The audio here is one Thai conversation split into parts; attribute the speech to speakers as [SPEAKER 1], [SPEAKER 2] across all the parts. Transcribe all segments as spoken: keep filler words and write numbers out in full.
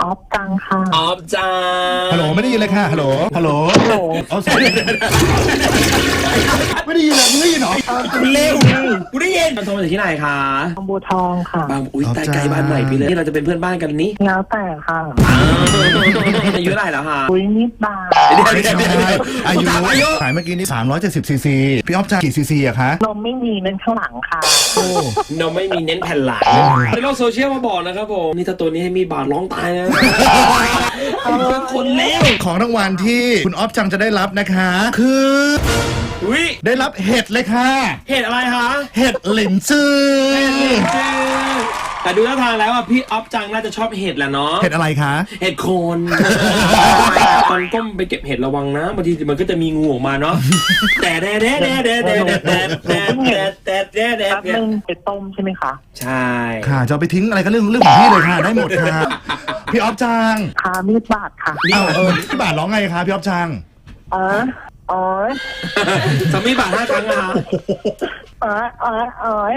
[SPEAKER 1] ออฟจังค่ะ
[SPEAKER 2] ออฟจัง
[SPEAKER 3] ฮัลโหลไม่ได้ยินเลยค่ะฮัลโหลฮัลโหล
[SPEAKER 1] ฮัลโหล
[SPEAKER 3] เอาสิไม่ได้ยินเลยมึงได้ยินเหรอ
[SPEAKER 2] เร็วกูได้ยินโทรมาจากที่ไหนคะ
[SPEAKER 1] บางบัวทองค่ะ
[SPEAKER 2] บางอุ้ยใกล้ๆบ้านใหม่พี่เลยนี่เราจะเป็นเพื่อนบ้านกันนี้
[SPEAKER 1] แล้วแต่ค่ะ
[SPEAKER 2] อายุเท่าไหร่แล้วคะ
[SPEAKER 1] อุ้ยนิดบาท
[SPEAKER 3] ไม่ใช่อายุขายเมื่อกี้นี่สามร้อยเจ็ดสิบซีซีพี่ออฟจ่ายกี่ซีซีอะคะ
[SPEAKER 1] นมไม่มีนั่นข้างหลังค่ะ
[SPEAKER 3] โอ้
[SPEAKER 2] เราไม่มีเน้นแผ่นหลังในโลกโซเชียลมาบอกนะครับผมนี่ถ้าตัวนี้ให้มีบาดร้องตายนะเป็นคนเลว
[SPEAKER 3] ของรางวัลที่คุณออฟจังจะได้รับนะคะ คือ
[SPEAKER 2] อุ้ย
[SPEAKER 3] ได้รับเห็ดเลยค่ะ
[SPEAKER 2] เหตุอะไรคะ
[SPEAKER 3] เห็ดหลินจือ
[SPEAKER 2] แต่ดูท่าทางแล้วอ่ะพี่ออฟจังน่าจะชอบเห็ดแหละเนาะ
[SPEAKER 3] เห็ดอะไรคะ
[SPEAKER 2] เห็ดโคนตอนก้มไปเก็บเห็ดระวังนะบางทีมันก็จะมีงูออกมาเนาะแต่แด่แด่แด่แด่แด่แด่แด่แด่แด่แด่แด่
[SPEAKER 1] แป๊บนึงไปต้มใช่ไหมคะ
[SPEAKER 2] ใช่
[SPEAKER 3] ค่ะจะเอาไปทิ้งอะไรก็เรื่องเรื่องของพี่เลยค่ะได้หมดค่ะพี่ออฟจัง
[SPEAKER 1] คามีดบาทค่ะ
[SPEAKER 3] เอ้าเออพี่บาทร้องไงคะพี่ออฟจัง
[SPEAKER 1] เออเอ๋อ
[SPEAKER 2] สามีบาทห้าครั้งอะ
[SPEAKER 1] เออเออเออ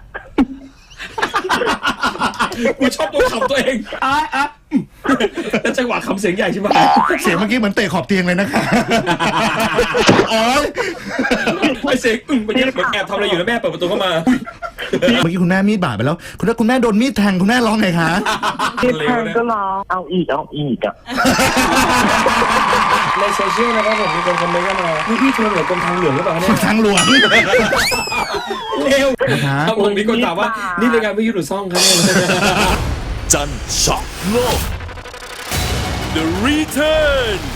[SPEAKER 2] กูชอบตัวขำตัวเองอ่ะอ่ะแล้วจังหวะคำเสียงใหญ่ใช่ไหม
[SPEAKER 3] เสียงเมื่อกี้เหมือนเตะขอบเตียงเลยนะคะโอ๊ย
[SPEAKER 2] ไอเสียงอึ้งมันยังเหมือนแอบทำอะไรอยู่แล้วแม่เปิดประตูเข้ามา
[SPEAKER 3] เมื่อกี้คุณแม่มีดบาดไปแล้ว คุณแม่คุณแม่โดนมีดแทงคุณแม่ร้องไงคะ
[SPEAKER 1] ที่แทงก็ร้องเอาอีกเอาอีกอ่ะ
[SPEAKER 2] ในโซเชียลนะครับผมมีคนคอมเมนต์เข้ามานี่พี่โทรเหนือกรมทางหลวงหรือเปล่าเนี่ย
[SPEAKER 3] ทางหลวง
[SPEAKER 2] เร็ว
[SPEAKER 3] นะคะ
[SPEAKER 2] ทางหลวงมีคนถามว่านี่รายการวิทยุหรือซ่องครับเนี่ย
[SPEAKER 4] จันทร์ช็อกโลก The Return